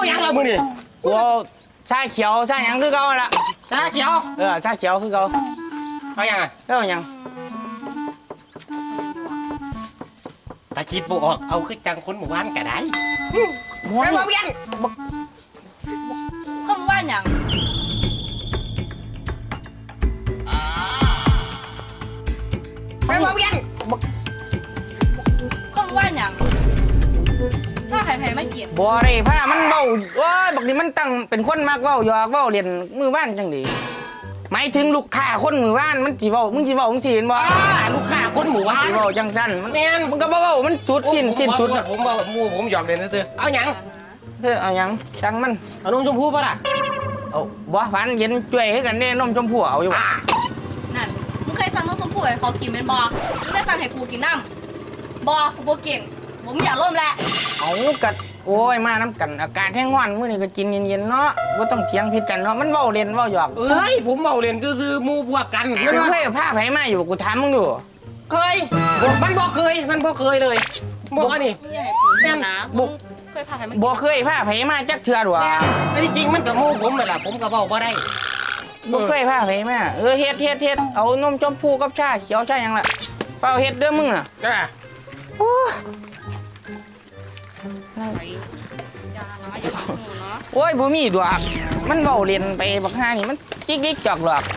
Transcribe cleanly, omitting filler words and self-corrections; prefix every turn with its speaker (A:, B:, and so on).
A: ยังละมือนี่
B: กูชาเขียวชาหยังคือเก่าละ
A: ชาเขียว
B: ชาเขียวคือเก่า
A: เอายังอ่ะ
B: เอาหยัง
A: ตาคิดบ่ออกเอาคือจังคนหมู่บ้านก็ได้
B: ม้วน
A: ไปบ่เวียน
C: คนว่าอย่าง
A: ไปบ่เวียน
C: คนว่าอย่างถ้าใครไม่กิน
B: บ่ได้ผ้ามันเว้าโอ้ยบักนี้มันตั้งเป็นคนมักเว้าหยอกเว้าเล่นมือบ้านจังดีหมายถึงลูกค้าคนมือบ้านมันสิเว้ามึงสิเว้าจังซี่เห็นบ่
A: ลูกค้าคนหมู่บ้าน
B: สิเว้าจังซั่นมันมึงก็บ่เว้ามันสุดสิ้นสุด
A: ผมบ่หมู่ผมหยอกเล่นซื่อเอาหยัง
B: เอาหยังจังมัน
A: เอานมชมพูป่ะล่ะ
B: เอาบ่หวานเย็นจ่วยคือกันเด้นมชมพู่เอาอยู่บ่
C: นั่นมึงเคยสั่งนมชมพู่ให้เขากินเป็นบ่มึงได้สั่งให้กูกินน้ำบ่กูบ่กินผมอยากร่วมแหละ
B: เอากัดโอ้ยมาน้ำกันอากาศแห้งร้อนมื้อนี้ก็กินเย็นๆเนาะบ่ต้องเถียงผิดกันเนาะมันเว้าเล่นเว้าหยอก
A: ผมเว้าเล่นซื่อๆหมู่พวกกัน
B: มึงเคยพาไผมาอยู่กูถามมึงดู
A: เคยมันบ่เคยเลยบ่อันนี้
C: มึงอยากให้กูกินนะบุกเคยพาใครมา
B: บ่เคยพาไผมาจักเทื่อดอก
A: แต่จริงมันก็หมู่ผมนั่นล่ะผมก็เว้าบ่ได้
B: บ่เคยพาไผมาเฮ็ดเอานมชมพูกับชาเขียวชาหยังล่ะเปล่าเฮ็ดเด้อมึงน่ะ
A: จ้า
B: โอ้โอ้ยบ่มีดอกมันเว้าเล่นไปบักห่านี่มันจิกๆจอกหรอก